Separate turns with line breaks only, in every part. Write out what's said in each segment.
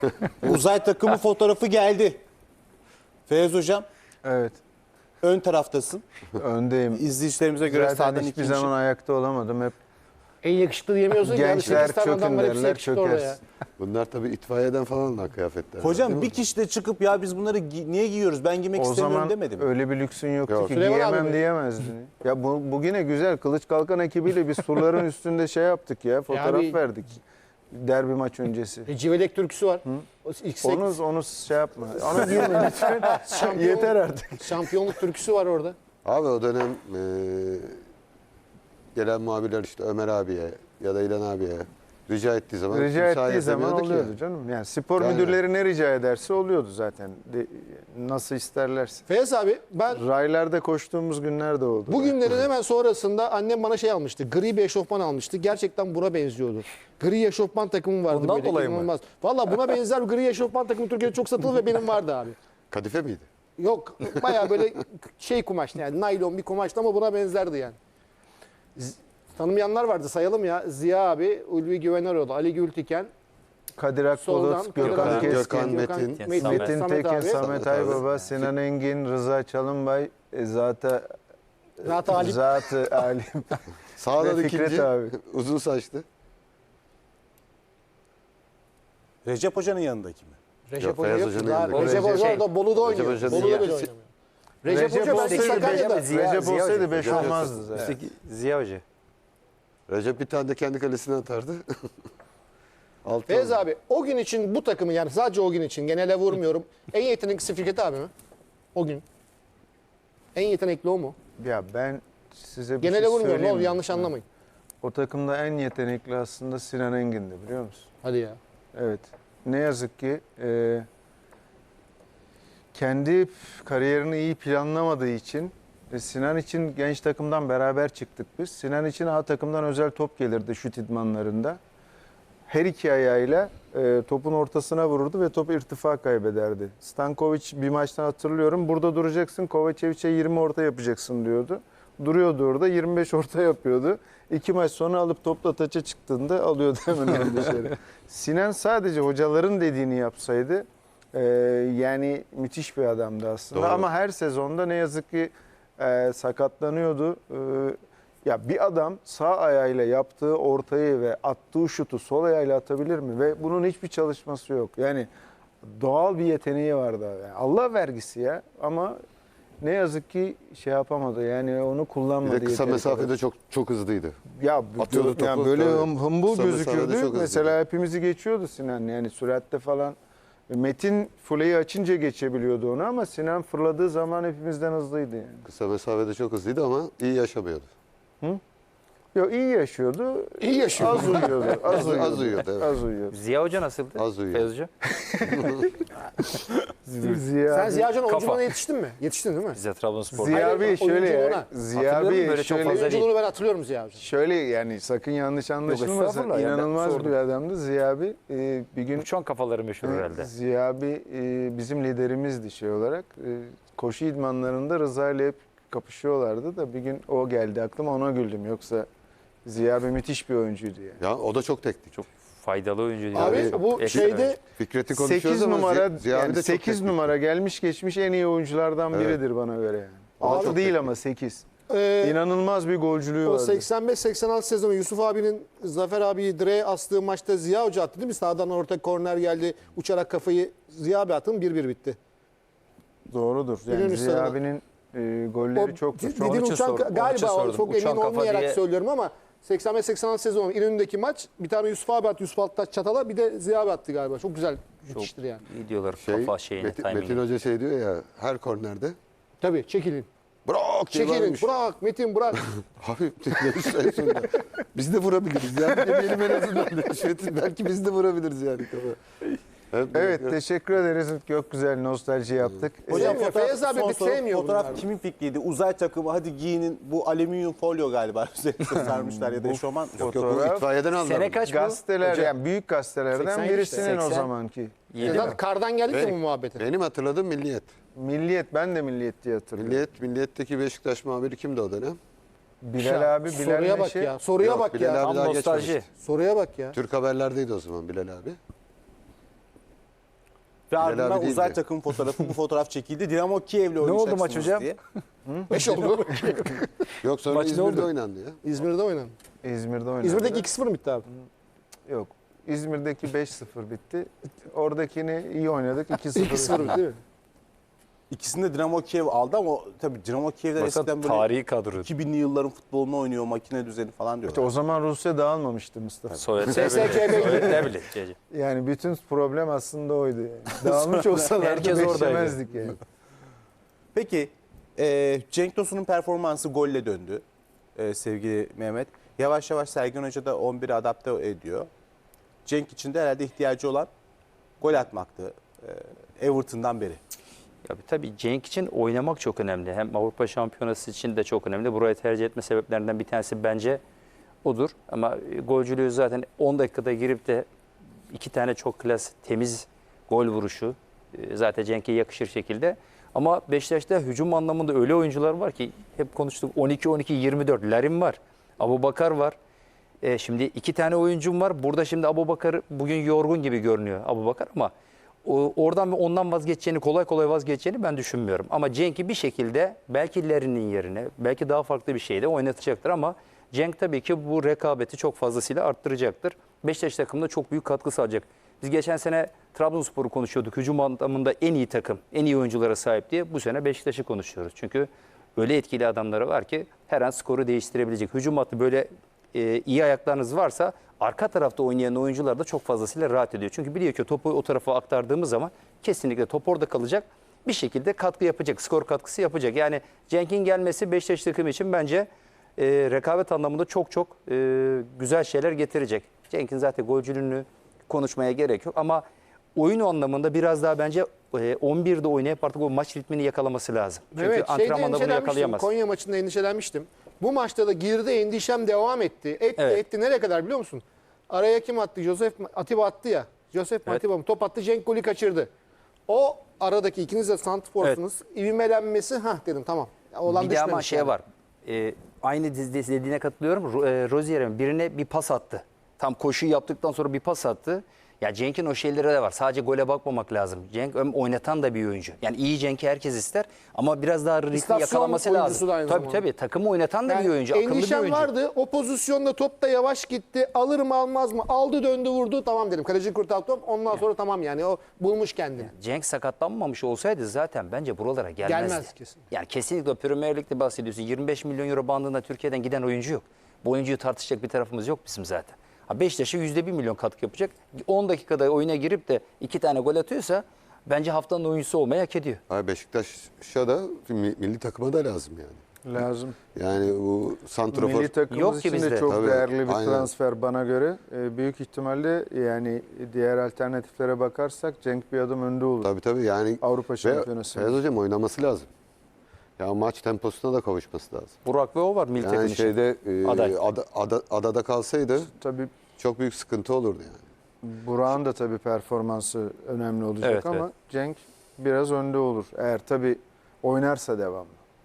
Uzay takımı fotoğrafı geldi. Feyyaz Hocam
Evet.
ön taraftasın.
Öndeyim.
İzleyicilerimize göre
Zaten
sağdan
hiçbir
ikinci.
zaman ayakta olamadım. Hep
En yakışıklı diyemiyorsun ki.
gençler
8 tane adam
çökün
var, hepsi
derler,
yakışıklı orada ya.
çökersin.
Bunlar tabii itfaiyeden falan da kıyafetler.
Hocam bir kişi de çıkıp ya biz bunları niye giyiyoruz ben giymek
O
istemiyorum
zaman
demedi mi?
öyle bir lüksün yoktu
Yok.
ki
Süleyman abi
giyemem
mi?
diyemezdin. Ya bu yine güzel. Kılıç Kalkan ekibiyle biz surların üstünde şey yaptık ya. Fotoğraf
bir-
verdik. Derbi maç öncesi.
Civelek türküsü var. O ilk
Onu şey yapma. Onu giyme lütfen.
Şampiyon-
Yeter artık.
şampiyonluk türküsü var orada.
Abi o dönem gelen muhabirler işte Ömer abiye ya da İlhan abiye rica ettiği zaman
Rica
müsaade
ettiği zaman
edemiyorduk ya.
oluyordu canım. Yani spor
Yani-
müdürleri ne rica ederse oluyordu zaten. Nasıl isterlerse.
Feyyaz abi ben
Raylarda koştuğumuz günler de oldu.
bu günlerin hemen sonrasında annem bana şey almıştı. Gri bir eşofman almıştı. Gerçekten buna benziyordu. Gri eşofman takımım vardı
Ondan
böyle.
dolayı mı?
İnanılmaz. Valla buna benzer bir gri eşofman takımı Türkiye'de çok satıldı ve benim vardı abi.
Kadife miydi?
Yok bayağı böyle şey kumaştı yani naylon bir kumaştı ama buna benzerdi yani. Tanımayanlar vardı sayalım ya. Ziya abi, Ulvi Güveneroğlu, Ali Gültiken,
Kadir
soldan
Akbulut, Gökhan
Kadir-
Keskin,
Gökhan Metin.
Metin
Samet
Tekin,
abi.
Samet Aybaba, Sinan Engin, Rıza Çalınbay, Zatı Alim
Sağda
ve
ikinci
Fikret abi.
uzun saçlı.
Recep Hoca'nın yanındaki mi?
Recep
Yok,
Hoca
Feyyaz
yok.
Hoca'nın
Daha-
yanında.
Recep Hoca
Şey,
orada Bolu'da oynuyor.
Hoca
Bolu'da
Ziya-
bile oynamıyor. Recep Hoca belki
olsaydı
Sakarya'da.
Recep
Ziya
olsaydı
Hoca.
5 olmazdı zaten.
Ziya Hoca.
Recep bir tane de kendi kalesine atardı. Altı
Feyyaz
oldu.
abi o gün için bu takımı yani sadece o gün için genele vurmuyorum. En yeteneklisi Fikret abi mi? O gün. En yetenekli o mu?
Ya ben size bir
Genele
şey
vurmuyorum ne
söyleyeyim
olur
mi?
yanlış anlamayın.
O takımda en yetenekli aslında Sinan Engin'di biliyor musun?
Hadi ya.
Evet. Ne yazık ki kendi kariyerini iyi planlamadığı için Sinan için genç takımdan beraber çıktık biz. Sinan için A takımdan özel top gelirdi şut idmanlarında. Her iki ayağıyla topun ortasına vururdu ve top irtifa kaybederdi. Stankovic bir maçtan hatırlıyorum. Burada duracaksın, Kovacevic'e 20 orta yapacaksın diyordu. Duruyordu orada 25 orta yapıyordu. 2 maç sonra alıp topla taça çıktığında alıyordu hemen onu dışarı. Sinan sadece hocaların dediğini yapsaydı yani müthiş bir adamdı aslında.
Doğru.
Ama her sezonda ne yazık ki sakatlanıyordu. Ya bir adam sağ ayağıyla yaptığı ortayı ve attığı şutu sol ayağıyla atabilir mi? Ve bunun hiçbir çalışması yok. Yani doğal bir yeteneği vardı. Yani Allah vergisi ya ama ne yazık ki şey yapamadı. Yani onu
Bir
kullanmadı.
de kısa
yeteri
mesafede
kadar.
çok hızlıydı.
Ya
atıyordu topu,
yani böyle
tabii.
hımbıl
Kısa mesafede çok
gözüküyordu.
hızlı.
Mesela hepimizi geçiyordu Sinan. Yani süratte falan. Metin fuleyi açınca geçebiliyordu onu ama Sinan fırladığı zaman hepimizden hızlıydı yani.
Kısa mesafede çok hızlıydı ama iyi yaşamıyordu.
Yok iyi yaşıyordu.
İyi yaşıyordu.
Az uyuyordu. Az uyuyordu.
Az uyuyordu, evet.
Az uyuyordu.
Ziya Hoca nasıldı?
Az uyuyor.
Feyyaz Hoca.
Ziya
Sen
abi-
Ziya Hoca'nın
Kafa.
oyunculuğuna yetiştin mi? Yetiştin değil mi?
Ziya Trabzonspor.
Ziya
Aynen,
abi şöyle
oyunculuğuna.
ya. Ziya
Hatırlıyorum,
abi
böyle çok
şöyle
fazla değil.
Oyunculuğunu ben hatırlıyorum Ziya Hoca'nın.
şöyle yani sakın yanlış anlaşılmasın.
estağfurullah ya, ben
İnanılmaz
sordum.
bir adamdı Ziya abi. Bir gün
Uçan kafaları meşhur herhalde.
Ziya abi bizim liderimizdi şey olarak. Koşu idmanlarında Rıza ile hep kapışıyorlardı da bir gün o geldi aklıma ona güldüm. Yoksa Ziya abi müthiş bir oyuncuydu yani.
Ya o da çok teknik.
Çok faydalı oyuncu diyor.
Abi
Yani
bu
ekstra
şeyde
oyuncu.
Fikret'i konuşuyoruz
8
ama
numara
Ziya abi
yani
de çok
8
teknik.
numara gelmiş geçmiş en iyi oyunculardan
Evet.
biridir bana göre yani.
O da
6
çok
değil
teknik.
ama 8.
e,
İnanılmaz bir golcülüğü
o
vardı.
85-86 sezonu Yusuf abinin Zafer abiyi direğe astığı maçta Ziya Hoca attı değil mi? Sağdan orta korner geldi. Uçarak kafayı Ziya abi attın 1-1 bitti.
Doğrudur. Yani
İnönü
Ziya
Stadı'na.
abinin golleri çok.
Dediğin
için
uçan
sordum, onun için
galiba
sordum.
çok
Uçan
emin
kafa
olmayarak
diye-
söylüyorum ama 85-86 sezonu İnönü'ndeki maç bir tane Yusuf abi attı. Yusuf Alttaş Çatal'a bir de Ziya abi attı galiba. Çok güzel müthiştir yani.
İyi diyorlar kafa şeyine,
Metin
timingine.
Hoca şey diyor ya her kornerde
Tabii çekilin.
bırak diye
Çekilin.
bağırmış.
Bırak Metin bırak.
Abi demiş en sonunda. Biz de vurabiliriz ya. Demeyelim en azından. Belki biz de vurabiliriz yani.
Evet teşekkür ederiz. Çok güzel nostalji yaptık.
Hocam Feyyaz abi
son
bir
soru,
sevmiyor
fotoğraf
bunları.
kimin fikriydi? Uzay takımı hadi giyinin bu alüminyum folyo galiba üzerine sarmışlar ya da eşofman.
Yok yok
Fotoğraf-
bu itfaiyeden anladım.
Sene kaç bu?
Gazeteler
Hocam?
yani büyük gazetelerden
80
birisinin o
80.
zamanki.
Yedi
Zaten
mi?
kardan geldik ya bu
Benim-
muhabbete.
Benim hatırladığım Milliyet.
Milliyet ben de Milliyet diye hatırlıyorum.
Milliyet'teki Beşiktaş muhabiri kimdi o dönem?
Bilal abi Bilal
Soruya bak
Neşe.
ya. Soruya
Yok,
bak
Bilal
ya.
abi
Tam
daha
nostalji.
geçmemişti.
Soruya bak ya.
Türk haberlerdeydi o zaman Bilal abi.
Ve
abi
ardından
değil
uzay
mi?
takım fotoğrafı bu fotoğraf çekildi. Dinamo Kiev'le
oldu maç
oynayacaksınız
hocam?
diye.
5 oldu.
Yok sonra
Maç ne
İzmir'de
oldu?
oynandı ya.
İzmir'de oynadı.
İzmir'de oynadı.
İzmir'deki 2-0 mı bitti abi?
Yok. İzmir'deki 5-0 bitti. Oradakini iyi oynadık. 2-0.
2-0 bitti değil mi?
İkisini de Dinamo Kiev aldı ama tabii Dinamo Kiev'den
Baksana
eskiden böyle
tarihi kadro.
2000'li yılların futbolunu oynuyor, makine düzeni falan
İşte
diyorlar.
o zaman Rusya dağılmamıştı Mustafa.
Sovyetler
SSKB
Birliği. Sovyetler Birliği. Cece.
Yani bütün problem aslında oydu. Yani. Dağılmış olsalardı
Herkes oradaydı.
beklemezdik yani.
Peki Cenk Tosun'un performansı golle döndü sevgili Mehmet. Yavaş yavaş Sergen Hoca da 11'e adapte ediyor. Cenk için de herhalde ihtiyacı olan gol atmaktı Everton'dan beri.
Ya tabii Cenk için oynamak çok önemli. Hem Avrupa Şampiyonası için de çok önemli. Burayı tercih etme sebeplerinden bir tanesi bence odur. Ama golcülüğü zaten 10 dakikada girip de 2 tane çok klas, temiz gol vuruşu zaten Cenk'e yakışır şekilde. Ama Beşiktaş'ta hücum anlamında öyle oyuncular var ki hep konuştuk 12-12-24. Larin var, Abubakar var. Şimdi 2 tane oyuncum var. Burada şimdi Abubakar bugün yorgun gibi görünüyor Abubakar ama oradan ve ondan vazgeçeceğini, kolay kolay vazgeçeceğini ben düşünmüyorum. Ama Cenk'i bir şekilde belki Larin'in yerine, belki daha farklı bir şeyde oynatacaktır ama Cenk tabii ki bu rekabeti çok fazlasıyla arttıracaktır. Beşiktaş takımına çok büyük katkı sağlayacak. Biz geçen sene Trabzonspor'u konuşuyorduk. Hücum anlamında en iyi takım, en iyi oyunculara sahip diye. Bu sene Beşiktaş'ı konuşuyoruz. Çünkü öyle etkili adamları var ki her an skoru değiştirebilecek. Hücum hattı böyle iyi ayaklarınız varsa arka tarafta oynayan oyuncular da çok fazlasıyla rahat ediyor. Çünkü biliyor ki topu o tarafa aktardığımız zaman kesinlikle top orada kalacak. Bir şekilde katkı yapacak, skor katkısı yapacak. Yani Cenk'in gelmesi Beşiktaş takımı için bence rekabet anlamında çok çok güzel şeyler getirecek. Cenk'in zaten golcülüğünü konuşmaya gerek yok ama oyun anlamında biraz daha bence 11'de oynayıp artık o maç ritmini yakalaması lazım. Çünkü
Evet, şeyde
antrenmanda bunu
endişelenmiştim.
yakalayamaz.
Konya maçında endişelenmiştim. Bu maçta da girdi, endişem devam etti.
Evet.
Etti nereye kadar biliyor musun? Araya kim attı? Atiba attı ya. Josef
Evet.
Atiba mı? Top attı, Cenk golü kaçırdı. O aradaki ikiniz de santrforsunuz. İvmelenmesi, dedim tamam. Olan
Bir de ama
düşmemiş
şey
yani.
var. Aynı dizide dediğine katılıyorum. Rozier'in birine bir pas attı. Tam koşuyu yaptıktan sonra bir pas attı. Ya Cenk'in o şeyleri de var. Sadece gole bakmamak lazım. Cenk oynatan da bir oyuncu. Yani iyi Cenk'i herkes ister ama biraz daha ritmi
İstasyon
yakalaması
oyuncusu
lazım.
da aynı
Tabii
zamanda.
tabii. Takımı oynatan da bir oyuncu. Akıllı bir
Endişem
oyuncu.
vardı. O pozisyonda top da yavaş gitti. Alır mı almaz mı? Aldı döndü vurdu. Tamam dedim. Kaleci kurtardı top. Ondan sonra tamam yani. O bulmuş kendini.
Cenk sakatlanmamış olsaydı zaten bence buralara gelmezdi.
Gelmez kesin.
Yani kesinlikle Premier Lig'de bahsediyorsun. 25 milyon euro bandında Türkiye'den giden oyuncu yok. Bu oyuncuyu tartışacak bir tarafımız yok bizim zaten. Beşiktaş'a %1 milyon katkı yapacak. 10 dakikada oyuna girip de 2 tane gol atıyorsa bence haftanın oyuncusu olmayı hak ediyor.
Abi Beşiktaş'a da milli takıma da lazım yani.
Lazım.
Yani bu santrafor
Milli takımımız
Yok ki
için de
bizde.
çok
Tabii,
değerli bir
aynen.
transfer bana göre. Büyük ihtimalle yani diğer alternatiflere bakarsak Cenk bir adım önde olur.
tabii yani
Avrupa
ve
Şampiyonası.
Feyyaz Hocam oynaması lazım. Ya maç temposuna da kavuşması lazım.
Burak ve o var milli takım
Yani
için.
şeyde
Aday.
adada kalsaydı
Tabii
çok büyük sıkıntı olurdu yani.
Burak'ın da tabii performansı önemli olacak
Evet,
ama
evet.
Cenk biraz önde olur. Eğer tabii oynarsa devamlı.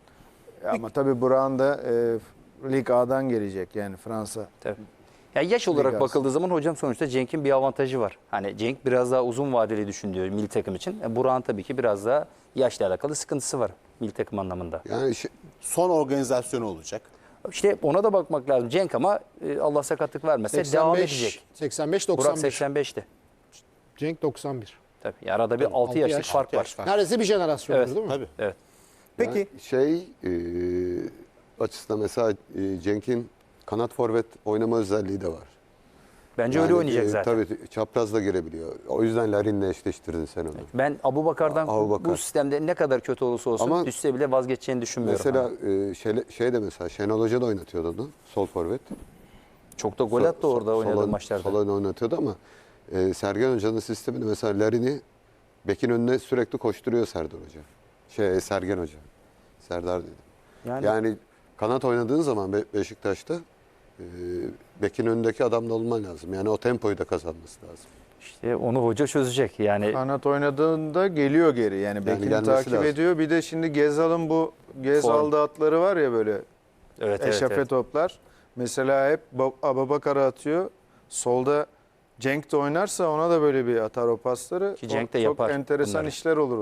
Ama tabii Burak'ın da Lig A'dan gelecek yani Fransa.
Tabii. Ya yaş olarak
Lig
bakıldığı zaman hocam sonuçta Cenk'in bir avantajı var. Hani Cenk biraz daha uzun vadeli düşünüyor milli takım için. Burak'ın tabii ki biraz daha yaşla alakalı sıkıntısı var milli takım anlamında.
Yani
Son organizasyonu olacak.
İşte ona da bakmak lazım. Cenk ama Allah sakatlık vermese devam edecek.
85
Burak
91.
85'ti.
Cenk 91.
Tabii arada bir 6
altı
yaşlık
yaş,
fark
6
var.
yaş var.
Neredeyse bir jenerasyon
Evet.
değil mi?
Tabii.
Evet.
Peki
yani açısından mesela Cenk'in kanat forvet oynama özelliği de var.
Bence
Yani,
öyle oynayacak zaten.
Tabii çaprazla girebiliyor. O yüzden Larin'le eşleştirdin sen onu.
Ben Abubakar'dan
Abubakar.
bu sistemde ne kadar kötü olursa olsun
Ama
düşse bile vazgeçeceğini düşünmüyorum.
Mesela
Ha.
şey de mesela Şenol Hoca da oynatıyordu onu. Sol forvet.
Çok da gol attı orada oynadığı maçlarda.
Sol oynatıyordu ama Sergen Hoca'nın sistemini mesela Larin'i bekin önüne sürekli koşturuyor Serdar Hoca. Sergen Hoca. Serdar dedim. Yani kanat oynadığın zaman Beşiktaş'ta bekin önündeki adamda olman lazım. Yani o tempoyu da kazanması lazım.
İşte onu hoca çözecek. Yani
Kanat oynadığında geliyor geri. Yani bekini
gelmesi
takip
lazım.
ediyor. Bir de şimdi Gezal'ın bu Gezal'da atları var ya böyle
evet,
eşafe
evet.
toplar. Mesela hep Abubakar'a atıyor. Solda Cenk de oynarsa ona da böyle bir atar o pasları.
Ki Cenk de
Çok
yapar
enteresan
bunları.
işler olur.